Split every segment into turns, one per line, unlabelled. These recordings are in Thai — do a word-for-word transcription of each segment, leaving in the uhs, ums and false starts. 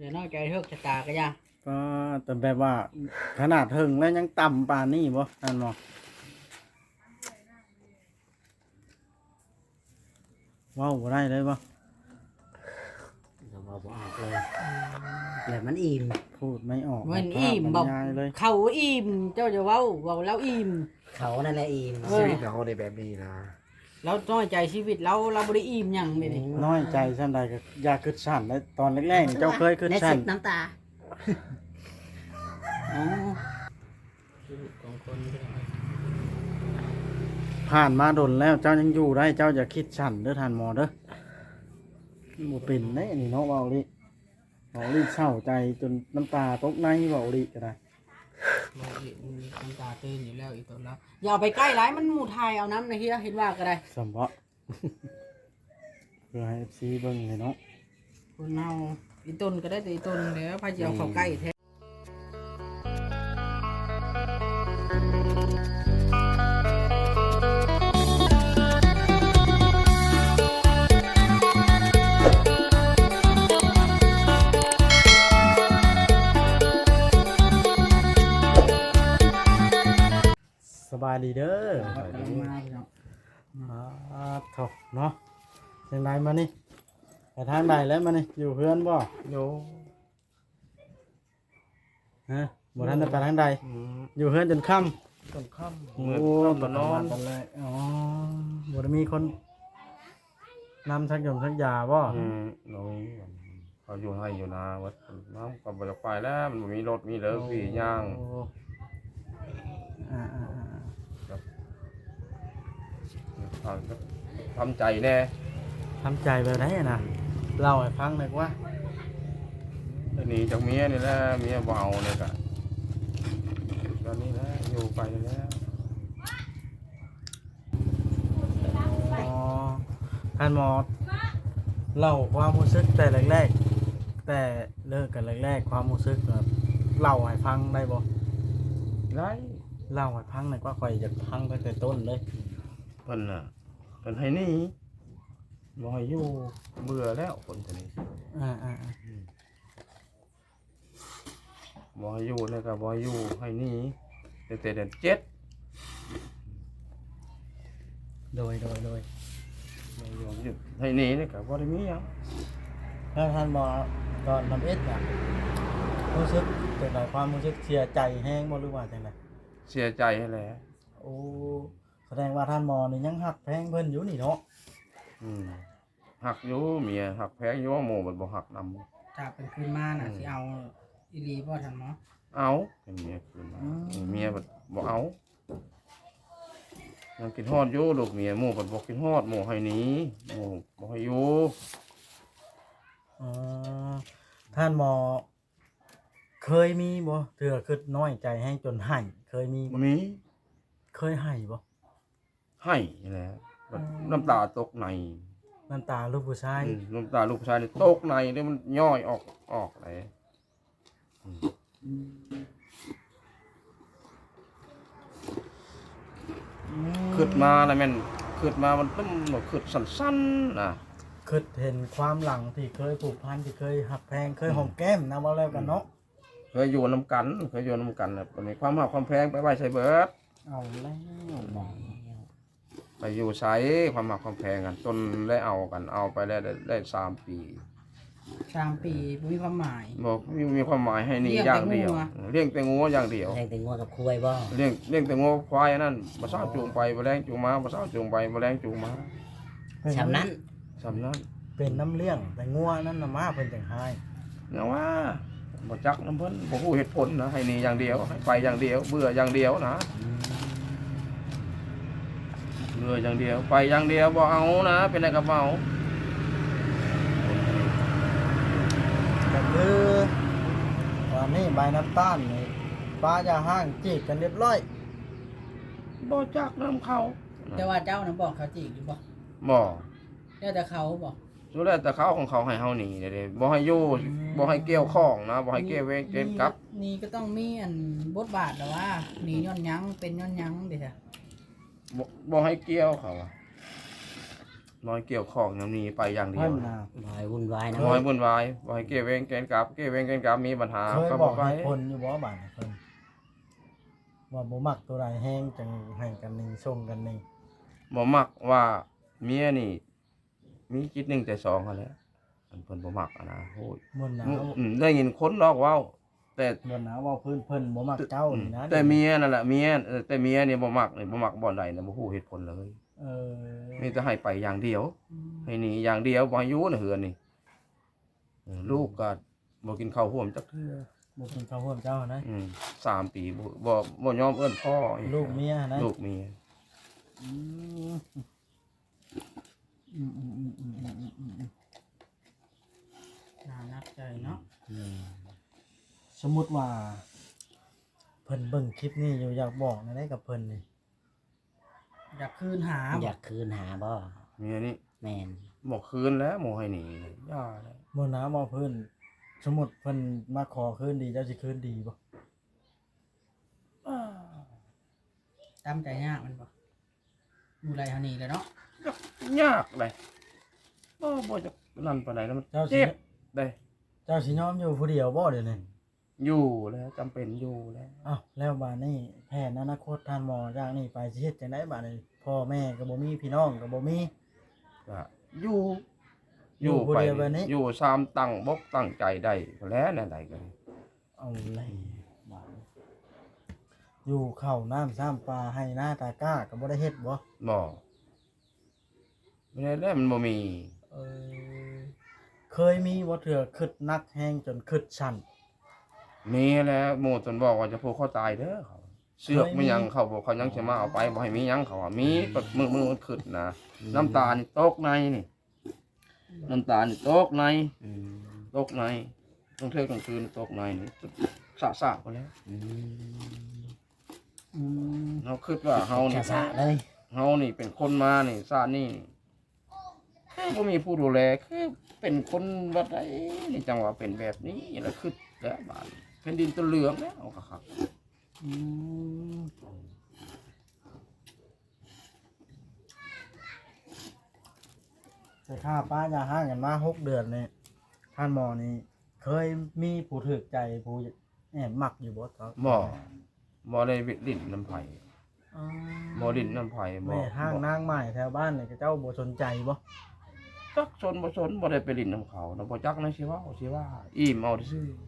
อย่าน้อยใจเฮิกชะตาก็ย่า
ก็แต่แบบว่าขนาดถึงแล้วยังต่ำปานนี้บ่นั่นบ่เว้าบ่ได้เลยบ่
เราบอกบ่ออกเลยแล้วมันอิ่ม
พูดไม่ออก
มันอิ่มบอก
เลย
เขาอิ่มเจ้าจะเว้าเว้าแล้วอิ่ม
เขานั่นแหละอิ่ม
ชีวิตเราในแบบนี้นะ
เราน้อยใจชีวิตเราเราบ่ได้อิ่มหยังเลยนี่
น้อยใจซั่นใดก็อย่าคิดสั้นเลยตอนแรกๆนี่เจ้าเคยคิด
ใน
สั้
สิ
น
บน้ำตา
อ๋อชีวิตของคนพี่น้อง
ผ่านมาดนแล้วเจ้ายังอยู่ได้เจ้าอย่าคิดสั้นเด้อท่านหมอเด้อบ่เป็นเด้นี่เนาะเว้าลิเว้าลิเศร้าใจจนน้ำตาตกในเว้าลิก็ได้
เราเห็นน้ำตาตื้นอยู่แล้วอีกตัวแล้วอย่าเอาไปใกล้หลายมันหมู่ไทยเอาน้ำนะเฮียเห็นว่าก็ได้
สมบ่ เพื่อให้ เอฟ ซี เบิ่งให้เนาะ
คนเฮาอีต้นก็ได้แต่อีต้นแล้วพาสิเอาเข้าใกล้แท้
สบายดีเด้อ
กำลังมาพี่น้อง
อ่าถกเนาะจังไดมานี่ไปทางใดแล้วมานี่อยู่เพื่อนบ่
โย
ฮะบ่ทันได้ไปทางใด
อืม
อยู่เพื่อนจนค่ำ
ต้นค่ำ
โอ้
เมื่อ
โห
ต้นก็นอน
กันเลยอ๋อบ่ได้มีคนนำชักยมชักยาบ่
อืมเราเขาอยู่ให้อยู่นาวัดน้ำกับบริไปแล้วมันบ่มีรถมีเลิกสี่ย่าง
โอ้อ่าอ่าอ่า
ทำใจแน่
ทำใจแบบไหนอะนะเล่าให้ฟังหน่อยว่า
หนีจากเมียนี่แหละเมียบ่เอาเลยกะตอนนี้แหละอยู่ไปแล้ว
อ๋อท่านหมอเล่าความรู้สึกแต่แรกๆแต่เลิกกันแรกๆความรู้สึกแบบเล่าให้ฟังได้บ่
ไร
เล่าให้ฟังหน่อยว่าข่อยจะฟังตั้งแต่ต้นเลย
เพิ่นน่ะเพิ่นให้หนี่บ่ให้อยู่เบื่อแล้วคนคนนี้
อ่าอ่าอ่า
บ่ให้อยู่แล้วก็บ่ให้อยู่ให้หนี่แต่แต่เดือนเจ็ด
โดยโดยโดย
บ่อยู่ให้หนี่นี่ก็บ่ได้มีหยัง
แล้วท่านหมอตอนทำเอ็ดอ่ะรู้สึกเป็นไรความรู้สึกเสียใจแห้งบ่หรือว่าจังได
เสียใจให้แหละ
โอ้แสดงว่าท่านหมอนี่ยังหักแพงเพิ่นอยู่นี่เนาะ
อืมหักอยู่เมียหักแพงอยู่ว่าหมู่มันบ่หักนำ
ถ้าเป็นคืนมาน่ะสิเอาอีหลีบ่ทันหมอ
เอาเป็นเมียคืนมาเมียบ่บ่เอายังกินฮอดอยู่ลูกเมียหมู่เพิ่นบ่กินฮอดหมู่ให้หนีหมู่บ่ให้อยู่
อ๋อท่านหมอ เคยมีบ่เถื่อคิดน้อยใจแห้งจนให้เคยมีบ่
มี
เคยให้บ่
ให้นี่แหละแบบน้ำตาตกใน
น้ำตาลูกผู้ชาย
อืมน้ำตาลูกชายนี่ตกในแล้วมันย่อยออกออกเลยขึ้นมาแล้วแม่นขึ้นมามันต้องขึ้นสั้นๆนะ
คิดเห็นความหลังที่เคยผูกพันที่เคยหักแพงเคยหอมแก้มนะว่าแล้วกันเนาะ
เคยอยู่น้ำกันเคยอยู่น้ำกันแบบนี้ความหักความแพงไปไว้ใส่เบิด
เอาแล้วบอก
ไปอยู่ใช้ความหักความแพงกันจนได้เอากันเอาไปได้ได้ได้สามปี
สามปีบ่มีความหมาย
บอกมีมีความหมายให้นี่
เลี้ยง
อย่างเดียว
แต่งัว
เลี้ยงแต่งัวอย่างเดียว
แรงแต่งัวกับคุยบ่
เลี้ยงเลี้ยงแต่งัวควายอันนั่นมาเศร้าจูงไปมาแรงจูงมามาเศร้าจูงไปมาแรงจูงมา
ชำนั้น
สำนั้น
เป็นน้ำเลี้ยงแต่งัวนั่นน่ะมาเพิ่นจังให้
เนี่ยว่าบ่จักน้ำเพิ่นบ่ฮู้เหตุผลนะให้นี่อย่างเดียวให้ไปอย่างเดียว เบื่ออย่างเดียวนะเบื่ออย่างเดียวไปอย่างเดียวบ่เอานะเป็นอะไรกับเมา
ก็คือวันนี้ใบน้ำตาลนี่ป้ายาห้างจีบกันเรียบร้อย
บ่จักน้ำเขา
แต่ว่าเจ้าน่ะบอกเขาจริงอยู่บ่
บ่
แล้วแต่เขาบ่
สุดแล้วแต่เขาของเขาให้เฮาหนีเด้ๆบ่ให้อยู่บ่ให้เกี่ยวข้องนะบ่ให้เกี่ยวเวรเกณฑ์กลับ
นี่ก็ต้องมีอันบทบาทแล้วว่าหนีย้อนหยังเป็นย้อนหยังเด้อจ้ะ
บ่บ่ให้เกี่ยวเขาอะน้อยเกี่ยวของน้ำนี้ไปอย่างเดีย
เพิ่
วน
น่ะ
บ่ให้วุ่นวายนะ
น้อยวุ่นวายบ่ให้เก็บเวงเกณฑ์กลับเก็บเวงเกณฑ์กลับมีปัญหา
เคย
ก็
บบ อ
อก กไป
เหตุผลอยู่บ่บาดเพิ่นว่าบ่มักตัวใดแห้งจังให้กันหนี่ส่งกันนี่
บ่มักว่าเมียนี่ มีจิตหนึ่งแต่สองเขาแหล้วมันเพิ่นบ่มักอะนะโอ้ย
บ่หนาว
อืมได้ยินคนลอกเว้า แต่
บ่หนาวว่าเพิ่นเพิ่นบ่มักเจ้านี่นะ
แต่เมียนั่นแหละเมียเออแต่เมียนี่บ่มักนี่บ่มักบ่อนใดนะบ่ฮู้เหตุผลเลย
เออ
มีแต่ให้ไปอย่างเดียว ให้หนีอย่างเดียวบ่ให้อยู่ในเฮือนนี่เออลูกก็บ่กินข้าวห่วมจักเทื่อ
บ่กินข้าวร่วมเจ้านะ
อืมสามปีบ่บ่บ่ยอมเอิ้นพ่ออี
ลูกเมียนะ
ลูกเมีย
อืมอืมอืมอืมอืมอืมอืมอืม
น่านักใจเนาะ
อืม
สมมุติว่าเพิ่นเบิ่งคลิปนี้อยู่อยากบอกนะได้กับเพิ่นนี่
อยากคืนหา
อยากคืนหาบ่
เมียนี่
แม่น
บ่คืนแล้วบ่ให้หนีย่าแล้ว
บ่หนาวบ่เพิ่นสมมุติเพิ่นมาขอคืนดีเจ้าสิคืนดีบ่
ตามใจยากมันบ่อยู่ไรเฮานี่แหละเนาะ
ยากเลยบ่บ่จะนั่นปานใดแล้วมัน
เจ้าสิ
เจ็บได้
เจ้าสิยอมอยู่ผู้เดียวบ่เดี๋ยวนี้
อยู่แล้วจำเป็นอยู่แล้ว
อ้าวแล้วบาดนี้แผนอนาคตท่านหมอจากนี้ไปสิเฮ็ดจังได๋บาดนี้พ่อแม่ก็บ่มีพี่น้องก็บ่มี
ก็อยู่
อยู่ผู้เดียวแบบนี้
อยู่สามตั้งบกตั้งใจได้ก็แล้วแน่ใดกัน
เอาเลยบาดนี้อยู่เข้าวน้ำซ้ำปลาให้หน้าตาก้าก็บ่ได้เฮ็ดบ่
บ่ไม่ได้แล้วมันบ่มี
เออเคยมีบ่เถื่อคิดนักแฮงจนคิดสั่น
มีแล้วหมู่ตนบอกว่าจะผูกคอตายเด้อเขาเสือก
เคยมี
ไม่ยังเขาบอกเขายังสิมาเอาไปบ่ให้มีหยังเขาว่ามีก็มือมือมันขึ้นนะน้ำตานี่ตกในนี่น้ำตานี่ตกใน
อืม
ตกในต้องเทกลางคืนตกในนี่สะสะไปแล้ว
อืม
อืม
เฮาคิดว่าเฮานี่
สะๆเลย
เฮานี่เป็นคนมานี่ซานี่คือบ่มีผู้ดูแลคือเป็นคนวัดใดนี่จังหวะเป็นแบบนี้แล้วคือแล้วบาดแผ่นดินตะเหลืองแล้วก็ครับ
อืมแต่ค่าป้ายาห้างกันมาหกเดือนนี่ท่านหมอนี่เคยมีผู้ถูกใจผู้แอบมักอยู่บ่ครับ
บ่บ่ได้วิลิ้นน้ำไผ
อ๋อ
บ่ลิ้นน้ำไผบ่
แม่ห้างนางไม้แถวบ้านนี่เจ้าบ่สนใจบ่
จักสนบ่สนบ่ได้ไปลิ้นน้ำเขานะบ่จักนะสิว่าสิว่าอิ่มเอาซื่อ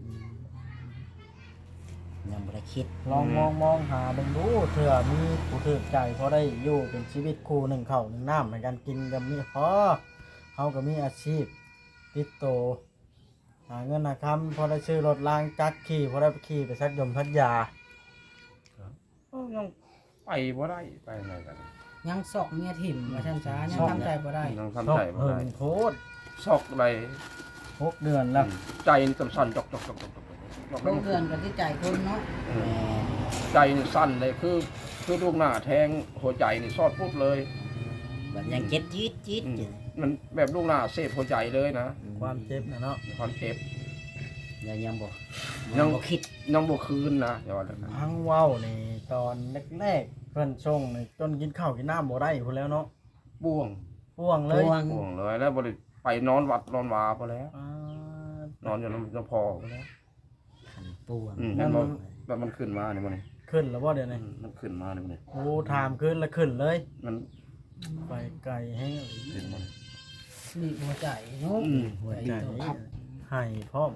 ยังบ่ได้คิด
ลองมองมองหาเบิ่งดูเถื่อมีผู้ถูกใจพอได้อยู่เป็นชีวิตคู่หนึ่งข้าวหนึ่งน้ำในการกินก็มีพอเฮาก็มีอาชีพติดโตวหาเงินหาคำพอได้ซื้อรถล้างจักรขี่พอได้ไปขี่ไปซักยมพัทยา
เอ้ายังไปบ่ได้ไปไหนกัน
ยังสอกเมียถิ่มว่าซั่นซะยังทำใจบ่ได้
ยังทำใจบ่
เพิ่
ได้
งโพด
ซอกอะไร
หกเดือนแล้ว
ใจนี่สั่นๆจอกๆๆๆ
โรงเรือนกันที่ใจคนเนาะ
เออใจนี่สั่นเลยคือคือลูกหน้าแทงหัวใจนี่ซอดปุ๊บเลย
แบบยังเจ็ดจี๊ดจี๊ด
อืม
อยู่
มันแบบลูกหน้าเสพหัวใจเลยนะ
ความเจ็บนะเนาะ
ความเจ็บ
ยังยังบ่
ยั
ยัง งบ่คิด
ยังบ่คืนนะอย่าว่าเลยนะ
พังเว้านี่ตอนแรกๆเพิ่นส่งนี่จนกินข้าวกินน้ำบ่ได้พุ่นแล้วเนาะ
บ่วง
ป่วงเลย
ห่วง
บ่วงเลยแล้วบ่ได้ไปนอนวัดนอนวาพอแล้ว
อ่าน
อนอยู่น้ำน้ำพอพอแล้ว
ขันป่วง
อืมแล้วมันแบบมันขึ้นมาเนี่ยมันนี่
ขึ้นแล้วบ่เดี๋ยว
อื
นี้
มมันขึ้นมาเนี่ยมันนี่
โอ้ถามขึ้นแล้วขึ้นเลย
มัน
ไปไกลแห้ง
ขึ้นมา
นี่หัวใจเนาะ
อืม
หัวใจให้พร้อม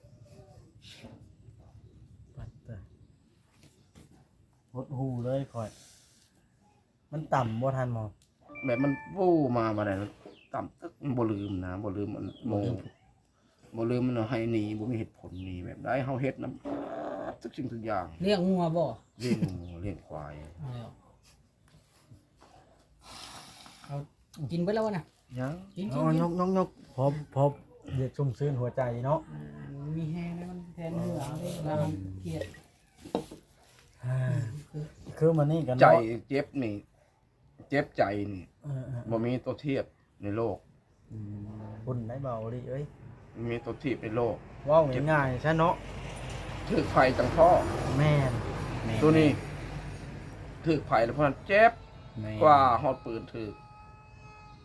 ปัดเตยหดหูเลยคอย มันต่ำบ่ทันหมอ
แบบมันวู้มาบ่ได้มันต่ำตึกมันบ่ลืมนะบ่ลืมมันโมบ่ลืมมันเอาให้หนีบ่มีเหตุผลหนีแบบได้เฮาเฮ็ดนํทุกสิ่งทุกอย่าง
เลี้ยงงัวบ่
เลี้ยงหมูเลี้ยงควาย
เอาแล้วเอากินไปแล้ววะน่ะ
ยัง
กินกิ
อ๋
น
อ
กิน
ยกยกยกพบพบเด็กชุ่มชื้นหัวใจเนาะ
อืมมีแห้งนะมันแทนเหงื่อเอาดิเราเครียด
อ่าคือมันนี่กัน
ใจ
เนาะ
เจ็บนี่ เจ็บใจนี่
เออ
บ่มีตัวเทียบในโลก
อืม
ๆบุญได้เบาดิเอ้ย
บ่มีตัวเทียบในโลก
เว้าง่ายๆซะเนาะ
ถือไฟจังพ่อ
แม่น
แม่
ตัวนี้ถือไฟแล้วเพราะนั้นเจ็บ
แม่
กว่าฮอดปืนถือ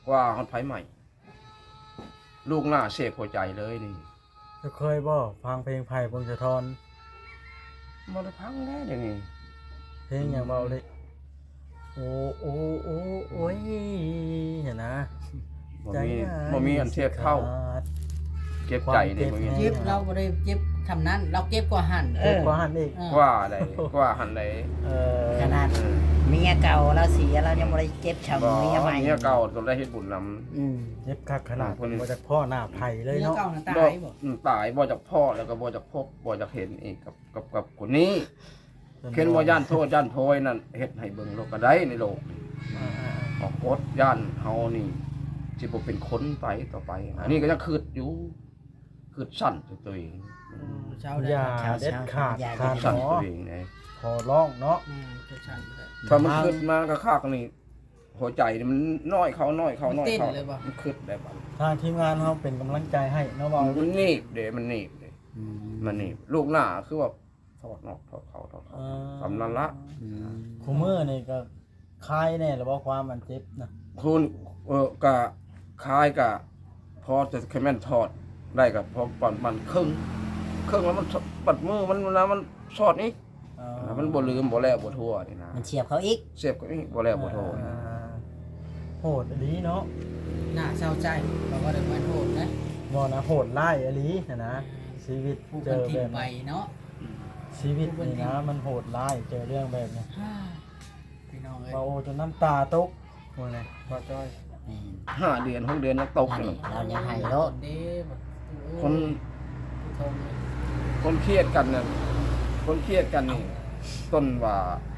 กว่าฮอดไผใหม่ ลูกหน้าเสพหัวใจเลยนี่
จะเคยบ่ฟังเพลงไผ่พงศธร
บ่ได้พังแน่เดี๋ยวนี้
เพลงอย่างเบาเลยโอ้โอ้โอ้โอ้ยเห็นนะ
บ่มีบ่มีอันเทียบเท่า เก็บใจนี่บ่มี
เจ็บเราบ่ได้เจ็บทำนั้นเราเจ็บกว่าหั่น
เจ็บกว่าหันอีก
เออ
กว่าใดกว่าหันใด
เออ
ขนาดเมียเก่าเราเสียเรายังบ่ได้เจ็บช้ำ
บ่
เมียใหม่
เมียเก่าต้องได้เฮ็ดบุญนำ
อืม
เจ็บคักขนาด
คนนี้
บ่จากพ่อหน้าไผ่เลย
เนื้อ
เนาะ
เก่าน่ะตา
บ่
ยบ่
อืมตายบ่จากพ่อแล้วก็บ่จากพบบ่จากเห็นอีกกับกับกับคนนี้เข็นบ่ย่านโทษย่านโพยนั่นเฮ็ดให้เบิ่งโลกก็ได้ในโลกนี่
อ่า
ออกกฎย่านเฮานี่สิบ่เป็นคนไปต่อไป อันนี้ก็ยังคิดอยู่คิดสั่นตัวเอง
เช้า
ๆ
ได้
อย่าเด็ดขาดทาน
สั่น
หมอ
ตัวเองเลย
ขอร้องเนาะ
อืมคือฉันเลย
ถ้ามันคิดมาก็คักนี่หัวใจนี่มันน้อยเขาน้อยเขาน้อย
มันเต้น
เขา
เลยบ่
มันคิดได้บ่
ทางทีมงานเขาเป็นกำลังใจให้เนาะเบา
มันหนีบเด้มันหนีบเด้
อืม
มันหนีบลูกหน้าคือว่าทอดนอกทอดเขาทอด
เอ
เขา
อ
สำนันละ
อืม
คูมือนี่ก็คลายแน่หรือว่าความมันเจ็บนะ
คุณเออกะคล้ายกะพอจะแค่แม่นทอดได้กับพอปันมันครึ่งครึ่งแล้วมันปัดมือมันนะมันสอดอีก
เออ
มันบ่ลืมบ่แล้วบ่ทั่วนี่นะ
มันเฉียบเขาอีก
เสียบก็อีกบ่แล้วบ่ทั่วนี่
อ่า
นะ
โหดอลีเนาะ
น่าเศร้าใจเราก็ได้เหมือนโหดนะ
บ่นะโหดไล่อลีนะนะชีวิต
ผู้
เจ
คน
อ
ทิ
แบ
ม
บ
ไปเนาะ
ชีวิตนี่นะมันโหดไล่เจอเรื่องแบบนี้
ฮ่าพี่น้องเอ้ย
เบาจนน้ำตาตกว่าไงบ่จ้อย
นี่
ห้าเดือนหกเดือนยังตก
อัน
อยู่
นี้เรายังให้โลด
เด้บ่
คน
ผู้ชมเลย
คนเครียดกันน่ะคนเครียดกันนี่ต้นว่า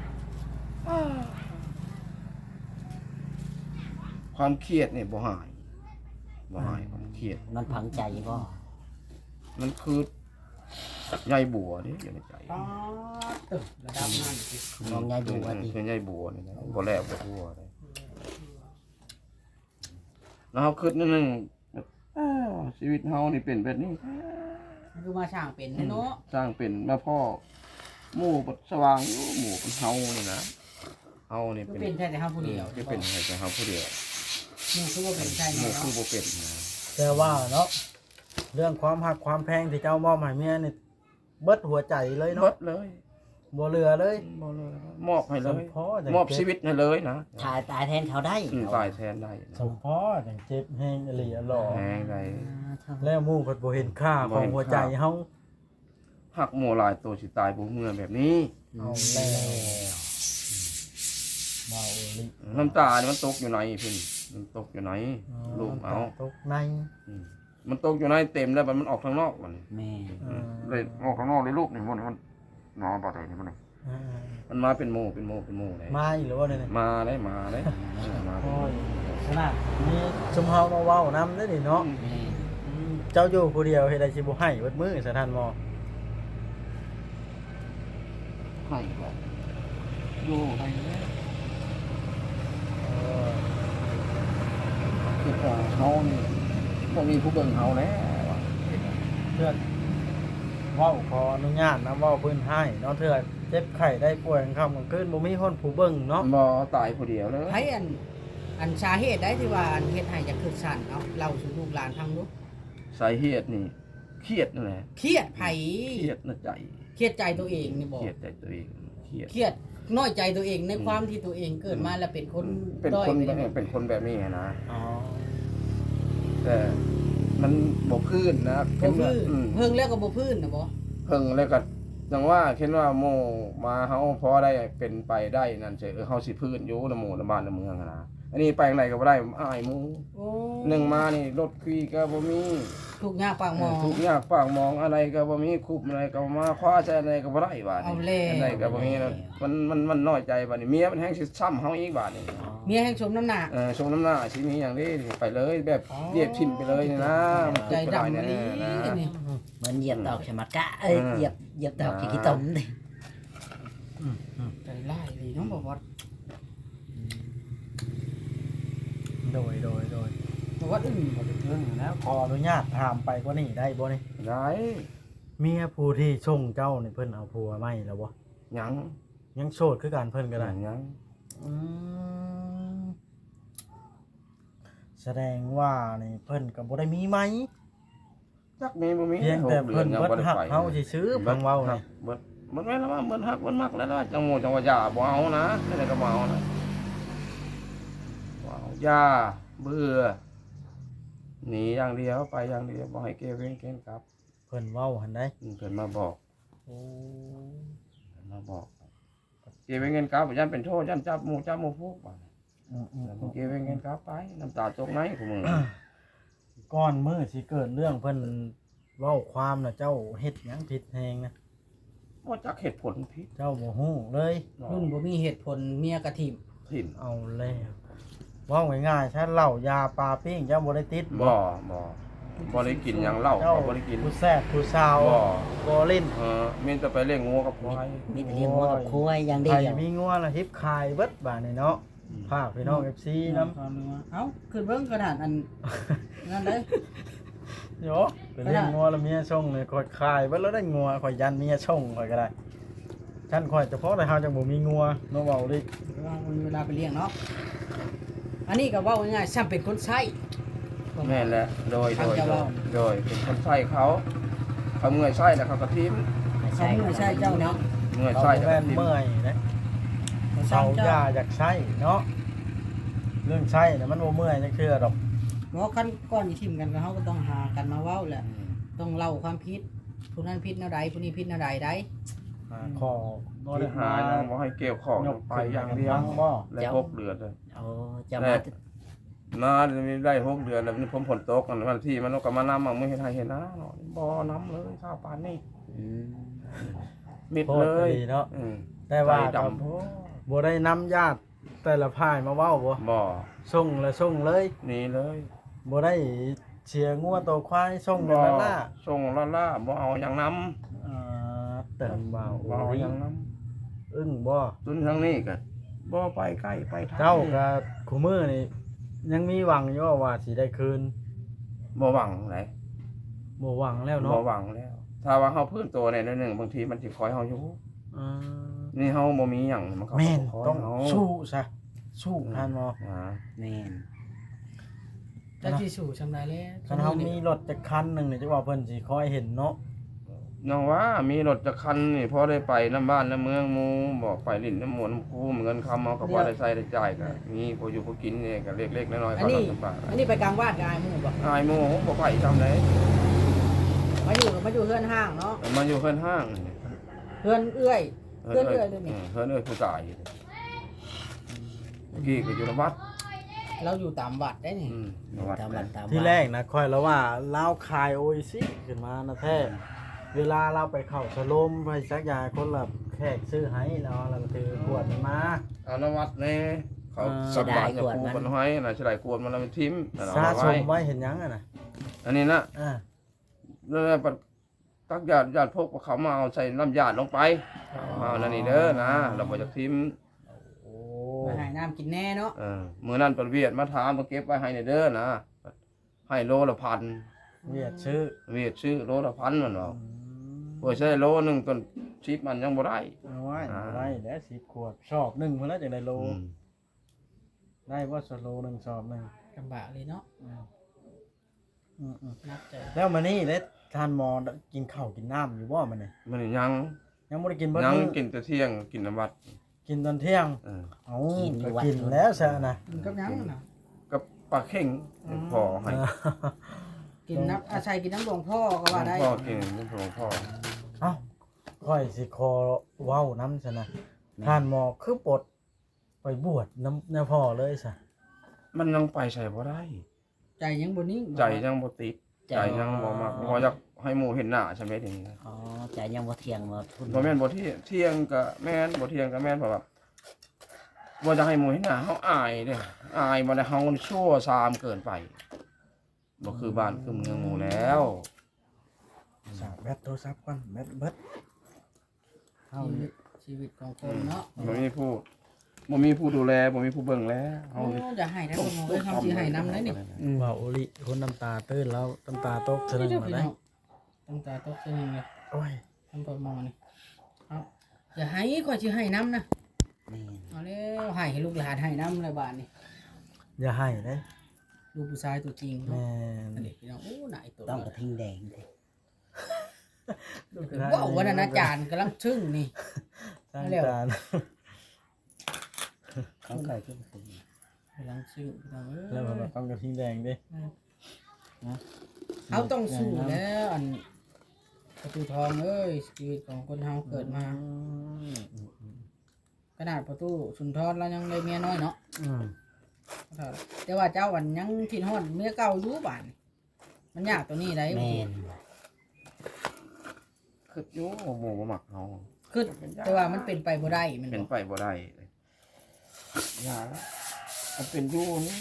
ความเครียดนี่บ่หายบ่หายความเครียด
มันพังใจบ่
มันคือใยบัวนี่อยู่ในใจ
ป๊าดตึกระดับนั้นสิ
มองยายดูว่าดิ
คือใยบัวนี่นะบ่แล้วบ่ทั่วเลยแล้วเขาคิดนิดนึงอ้าวชีวิตเฮานี่เป็นแบบนี้
มันคือมาช่างเป็นแท้เนาะ
สร้างเป็นมาพ่อหมู่บดสว่างอยู่หมู่เป็นเฮานี่นะเฮานี่
คือ
เป็น
เป็นแค่แต่เฮาผู้เดียว
คือเป็นแค่เฮาผู้เดียว
หมู่คือว่าเป็นใช่
หมู่
เนาะ
คือบ่เป็นนะ
แต่ว่าเนาะเรื่องความหักความแพงที่เจ้ามอบให้เมียนี่เบิดหัวใจเลย
หม
เนาะ
ดเลย
บ่เหลือเลย
บ่เลยมอบให้เลย
สมพอจัง
มอบชีวิตให้เลยนะ
ตายตายแทนเขาได้
อืมตายแทนได้
สมพอจังเจ็บแฮงอหลีอหลอ
แหงได้
แล้วหมู่เพิ่นบ่เห็นค่าของหัวใจเฮา
หักหมู่หลายตัวสิตายบ่เมื่อแบบนี้
เอาแล้วเบาอหลี
น้ำตานี่มันตกอยู่ไหนพี่มันตกอยู่ไหนลูกเอา
ตกใน
อืมมันตกอยู่ในเต็มแล้วมันออกข้างนอกมัน
แม่
อ่า
เลยออกข้างนอกเลยลูกนี่มันมันนอนบ่ได้นี่มันนี่
อ่า
มันมาเป็นหมู่เป็นหมู่เป็นหมู่เลย
มาอีกหรือว่าเนี่ย
มาได้มาได้มา
โอ้ยขนาดนี้ชุมเฮามาเว้านำได้ดิเนาะ
แม่
เจ้าอยู่ผู้เดียวเฮ็ดได้สิบ่ให้เบิดมื้อสถานหมอ
ให้บ่อยู่ให้แล้ว
เออ
คือว่าเฮานี่บ่มีผู้เบิ่งเฮาแล้ว
เทื่อเว้าขออนุญาตนะเว้าเพิ่นให้เนาะเทื่อเจ็บไข้ได้ป่วยกลางค่ำกลางคืนบ่มีคนผู้เบิ่งเนาะ
บ่ตายผู้เดียวเลย
ไผอันอันสาเหตุได้ที่ว่าอันเฮ็ดให้จะคือสั่นเอาเล่าสู่ลูกหลานฟังดู
สาเหตุนี่เครียดนั่นแหละ
เครียดไผ
เครียดในใจ
เครียดใจตัวเองนี่บ่
เครียดใจตัวเองเครียด
เครียดน้อยใจตัวเองในความที่ตัวเองเกิดมาแล้วเป็นคน
เป็น
ด้อย
คน
ไป
แบบ
เลย
เป็นคนแบบนี้นะ
อ๋อ
แต่มันบ่พื้นนะ
บ่พื้น
อืม
เพิ่งแล้วก็บ่พื้นนะบ่
เพิ่งแล้วก็จังว่าเห็นว่าโมมาเฮาพอได้เป็นไปได้นั่นเฉยเออเฮาสิพื้นอยู่ในหมู่ในบ้านในเมืองอะนะอันนี้ไปทางไหนก็บ่ได้อายหมู่
โอ้
หนึ่งมานี่รถขี่ก็บ่มี
ทุกข์ยากปากหมอง
ทุกอย่างปากมองอะไรก็บ่มีคุบอะไรก็มาคว้าใจอะไรก็บ่ได้บาด
เอา
นี้
แล้ว
อะไรก็บ่มีนะมันมันมันน้อยใจบาดนี้เมียมันแฮงสิซ้ำเฮาอีกบาดนี้
เมียแห่งสมน้ำหนัก
เออชงน้ำหน้าสิมีอย่างนี้ไปเลยแบบ
อ๋อ
เรียบทิ่มไปเลยนี่นะมัน
ใจ
ทุกข์ก็
ดำ
ได้
นี่
แน่ๆนะ
นี่
เหมือนเหยียบดอกชะมัดกะเอ้ย
อืม
เหยียบเหยียบดอกขี้ตมดิ
อืมอืม
ใจร้ายดีน้องบ่วัด
โดยโดยโดย
บ่วัดอื่นบ่
เรื่องแล้วขออนุญาตถามไปกว่านี้ได้บ่นี่
ได้
เมียผู้ที่ส่งเจ้านี่เพิ่นเอาผัวไหมแล้วบ่
หยัง
ยังโสดคือกันเพิ่นก็ได้
หยัง
อืมแสดงว่านี่เพิ่นก็บ่ได้มีไหม
จักมีบ่มี
เพียงแต่
หกดื
เพิ่น
ยัง
เบิด
บ่ได้
หัก
ไป
เฮาซื่อๆเพิ่นเว้า
หั
นี่
กเบิดเบิดแม่นแล้วว่าเบิดหักเบิดมักแล้วนะจังโมจังว่าอย่าบ่เอานะไม่ได้ก็บ่เอานะบ่เอาอย่าเบื่อหนีอย่างเดียวไปอย่างเดียวบ่ให้เกเว้งเกนกลับ
เพิ่นเว้าหั่นได้
อืมเพิ่นมาบอก
โอ้
เพิ่นมาบอกเกเว้งเกนกลับยันเป็นโทษยันจับหมู่จับหมู่พวกบ่
อืม
แล้วเกเว้งเกนกลับไปน้ำตาตกในของมึง
ๆก่อนมื้อสิเกิดเรื่องเพิ่นเว้าความน่ะเจ้าเฮ็ดหยังผิดแฮงนะ
บ่จักเหตุผลผิด
เจ้าบ่ฮู้เลย
รุ่นบ่มีเหตุผลเมียกระถิ่ม
ถิ่น
เอาแล้วเว้าง่ายๆฉันเหล้ายาปลาปิ้งเจ้าบ่ได้ติด
บ่บ่บ่ได้กินหยังเหล้า
เจ้า
ก็บ่ได้กิน
ผู้แซ่บผู้สาว
บ่
บ่เล่น
เออมีแต่ไปเลี้ยงงูกับควาย
มีแต่เลี้ยงวัวกับควายอย่างเดี
ใคร
ยว
มีงัวละฮิบคายเบิดบาดนี่เนาะภาคพี่น้อง เอฟ ซี นำ
เอ้าขึ้นเบิ่งกระดาษอันนั่นเลย
โยไปเลี้ยงงัวแล้วเมียส่งเลยข่อยคายเบิดแล้วได้งัวข่อยยันเมียส่งข่อยก็ได้ฉันข่อยเฉพาะแต่เฮาจังบ่มีงัวเนาะเว้าดิ
ว่ามีเวลาไปเลี้ยงเนาะอันนี้ก็เว้าง่ายๆซ้ำเป็นคนใช้
แม่นแหละโดย
ฟั
โด
ง
ย
จะ
โด
เว้า
ยโดยเป็นคนใส่เขาเขาเมื่อยใส่แล้วเขาก็ทิ้ม
ไม่
ใช่
ใช่
ไม่ใช่เจ้าเนาะ
เมื่อย
เขา
ใส่แล้ว
แม่
ก็
น
ทิ้ม
เมื่อยนะ
เขา
เขา
ซ้ำ
อ
เจ้า
ยาอยากใช้เนาะเรื่องใช้น่ะมันบ่เมื่อยจังเทื่อดอก
เพราะขั้นก่อนที่ทิมกันก็เขาก็ต้องหากันมาเว้าแหละต้องเล่าความผิดผู้นั้นผิดแนวใดผู้นี้ผิดแนวใดได้
หาขอ
บ่ได้หายังบ่ให้เกี่ยวของไปอย่างเดียว
บ่
แล้วหกเดือนเลย
โอ้จะมา
นามีได้หกเดือนแล้วนี่ผมฝนตกกันวันที่มันก็มานำมามื้อเฮ็ดให้เห็นนะเนาะบ่น้ำเลยข้าวปานนี้
อืม
มิด
โทษ
เล
ก็
ย
ดีเนาะ
อืม
แต่ว่า
ใจ
ก็
ดำโพ
บ่ได้นำญาติแต่ละพ่ายมาเว้าบ่
บ่
ส่งแล้วส่งเลย
หนีเลย
บ่ได้เชียร์งัวตัวควายส่ง
บ่
กันล่ะ
ส่งล่าล่าบ่เอาหยังนำ
อ่าเติมเบา
บ่เอาหยังนำ
อึ้งบ่
ตุนทางนี้ก็บ่ไปใกล้ไปทาง
เจ้ากับคู่มือนี่ยังมีหวังอยู่ว่าสิได้คืน
บ่หวังไหน
บ่หวังแล้ว
บ่
เนาะ
หวังแล้ว ถ้าว่าเฮาพื้นตัวในนิดนึงบางทีมันสิคอยเฮาอยู่
อ่า
นี่เฮาบ่มีหยังมันก็
แม่น
คอย
ต้อง
เฮา
สู้ซะสู้ท่านบ่
อ่า
แม่น
จะที่สู่ชำไรแล้ว
คันเฮามีรถจักคันหนึงนี่จักว่าเพิ่นสิคอยเห็นเนาะ
น้องว่ามีรถจักคันนี่พอได้ไปน้ำบ้านน้ำเมืองหมู่บอกไปลิ้นน้ำหมวนน้ำคูเงินคำเฮาก็บ่ได้ใช้ได้จ่ายก็มีพออยู่พอกินนี่ก็เล็กๆน้อยๆ
อั
ก็
นนี้
ลำบาก
อันนี้ไปกลางวาดกับอายหมู่บ่
อายหมู่บ่ไปทำได
มาอยู่กับมาอยู่เฮือนห้างเนาะ
มาอยู่เพิ่นห้างนี่
เฮือนเอื้อย เฮือนเอื้อยเลยนี่
เพิ่นเอ้ยผู้ตายเมื่อกี้ก็อยู่ในวัด
เราอยู่ตามวัดได้นี่
อืมในวัด
ตามหลักตาม
ที่
ว่า
แรกนะค่อยแล้วว่าลาวคายโออิซิขึ้นมานะแท้เวลาเราไปเข้าสโลมไปสักยาคนละแขกซื้อให้แล้วเราก็ถือขวดมันมา
เอานวัดแน่เขา
อ่า
สบายกับกูมันให้น่ะสิได้กวนมันแล้วมันทิ่มนั่นเอา
สะ
มา
ส
ไว้
มไว้เห็นหยังอ่ะนะ
อันนี้นะ
อ่า
แล้วปัดตักญาติญาติพวกเขามาเอาใส่น้ำญาติลงไปมาเอานั่นนี่เด้อนะเราบ่จะทิ่ม
โอ้
มาหายน้ำกินแน่เนาะ
เออมื้อนั้นเพิ่นเวียดมาถามมาเก็บไว้ให้นี่เด้อนะให้โลละพัน
เวียดชื่อ
เวียดซื้อโลละพันมันว่า
อืม
เพื่อใช้โลหนึงต้นชิปมันยังบ่ได้
เอาไว้
อ่า
ได้แล้วสิบขวดชอบหนึ่งมาแล้วจากได้โล
อืม
ได้ว่าสโลหนึ่งชอบหนึ่ง
ลำบากเลยเนาะ
อืมอืมอืม
นับใจ
แล้วมานี่เล็ดทานหมอกินข้าวกินน้ำอยู่บ่มันนี่
มันยัง
ยังไม่ได้กินเบ่
ยัง
มื้อ
กินแต่เที่ยงกินน้ำวัด
กินตอนเที่ยง
เออ
เอาก็กินแล้วซะนะ
กินกับหยังน่ะ
กับปลาเข่งพอให้
กินน้ำอาศัยกินน้ำหลวงพ่อก็ว่าได้
พ่อกินน้ำหลวงพ่อ
เอ้าค่อยสิคอเว้าน้ำซะนะทานหมอคือปลดไปบวชน้ำน้ำพ่อเลยซะ
มันยังไปใส่บ่ได้
ใจยังบ่นิ่ง
ใจยังบ่ติดใจยังบ่มักบ่อยากให้หมู่เห็นหน้าใช่ไหมทีนี้
อ๋อใจยังบ่เที่ยงบ่ทุน
บ่แม่นบ่เที่ยงเที่ยงก็แม่นบ่เที่ยงก็แม่นเพราะว่าบ่จะให้หมู่เห็นหน้าเฮาอายเด้อายบ่ได้เฮาชั่วซามเกินไปบ่คือบ้านคือเมืองหมู่แล้ว
สากแบตโทรศัพท์ก่อนแบตเบิดเฮา
ชีวิ
นี่
ตชีวิตของคนเนาะ
บ่มีผู้บ่มีผู้ดูแลบ่มีผู้เบิ่งแล้วเฮา
โอ้จะให้ได้บ่มองเลยเฮาสิให้นำได้นี่
ว่าโอลิคนน้ำตาตื้นแล้วน้ำตาตกเสนึงมาได้
ตั้งตาตกเสนึงเลย
โอ้ย
ทำประมอนี่ครับอย่าให้ข่อยสิให้น้ำนะ
แม่น
เอาแล้วให้ให้ลูกหลานให้น้ำเลยบาดนี่
อย่าให้เลย
ลูกผู้ชายตัวจริง
แม่
เนาะอัน
น
นี้พี่น้องโอ้หนายตัว
ต้องกระทิงแดงเด้
ว้าววันนั้นอาจารย์กำลังชึ่งนี่
สร้าง
เร็ว
การ
เขาเคยขึ้นคืน
กำลังชึ่งพี่น้องเอ้ย
แล้วแบบต้องกระทิงแดงดินะ
เขาต้องสู้แล้วอันประตูทองเอ้ยชีวิตของคนเฮาเกิดมา
อืมอืมอืม
ขนาดประตูสุนทรแล้วยังได้เมียน้อยเนาะ
อืม
แต่ว่าเจ้าวันยังทิ้นฮอดเมียเก่าอยู่บ้านมันยากตัวนี้ได้
แม่น
คืออยู่หมู่บ่มักเฮา
คือแต่ว่ามันเป็นไปบ่ได้แมัน
เป็น
บ่
ไปบ่ได้อย่ามันเป็นอยู่นี่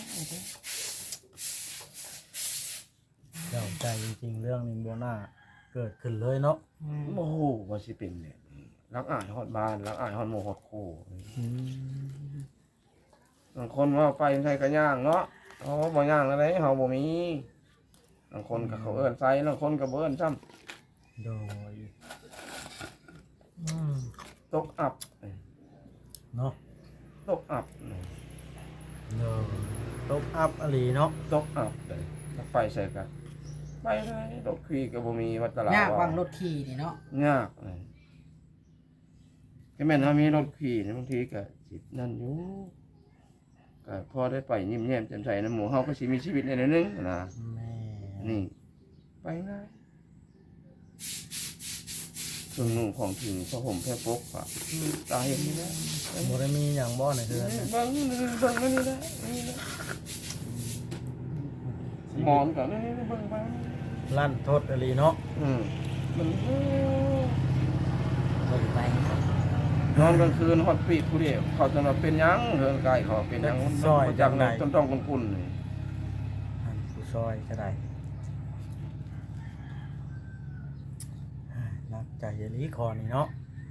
เจ้าใจจริงๆเรื่องนี้บ่น่าเกิดขึ้นเลยเนาะ
อืม
โอ้โหว่าสิเป็นเนี่ยรักอายฮอดบ้านรักอายฮอดหมู่ฮอดคู่
อืม
บางคนว่าไปใส่กระย่างเนาะเฮาบ่ย่างอะไรเฮาบ่มีบางคนก็เขาเอิ้นใส่บางคนก็บ่เอิ้นซ้ำ
โดยอืม
ตกอับ
เนาะ
ตกอับ
โดยตบอัพอหลีเนาะ
ตกอับเลยถ้าไปใส่กันไปเลยรถขี่ก็บ่มีวัดตลาด
ยากวางรถขี่นี่เนาะ
ยากเลยก็แม่นถ้ามีรถขี่นี่บางทีก็สินั่นอยู่ก็พอได้ไปยิ้มแย้มแจ่มใสนะหมู่เฮาก็สิมีชีวิตในนั้นนึงนะ
แม่
นี่ไปง่ายเครื่องนุ่งของถึงผ้าห่มแพร่ปกอะตาเห็นนี่นะ
บ่ได้มีหยังบ่ในเฮือน
เบิ่
นะ
งเบิ่งนี่เบิ่งนี่นะนี่นะหมอนก็นี่เบิ่งไป
ลั่นทดอหลีเนาะ
อืมมัน
เบิ่งไป
นอนกลางคืนฮอดปีกผู้เดียวเขาจะมาเป็นหยังเฮือนกายเขาเป็นหยังมันบ่จักไหนต้นต้องกุนๆนี่
อันผู้ซอยก็ได้นักใจอหลีคอนี่เนาะ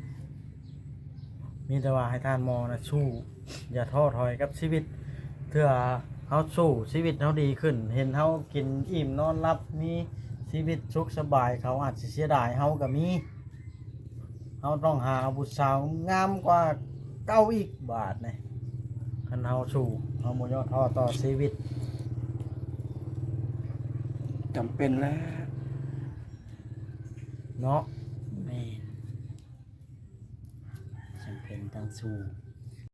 มีแต่ว่าให้ท่านมองนะสู้อย่าท้อถอยกับชีวิตเพื่อเฮาสู้ชีวิตเฮาดีขึ้น เห็นเฮากินอิ่มนอนหลับมีชีวิตสุขสบายเขาอาจสิเสียดายเฮาก็มีเฮาต้องหาผู้สาวงามกว่าเก้าอีกบาทนี่คันเฮาสู้เฮาบ่ย่อท้อต่อชีวิต
จำเป็นแล้ว
เนาะ
แม่นจำเป็นต้องสู้
อ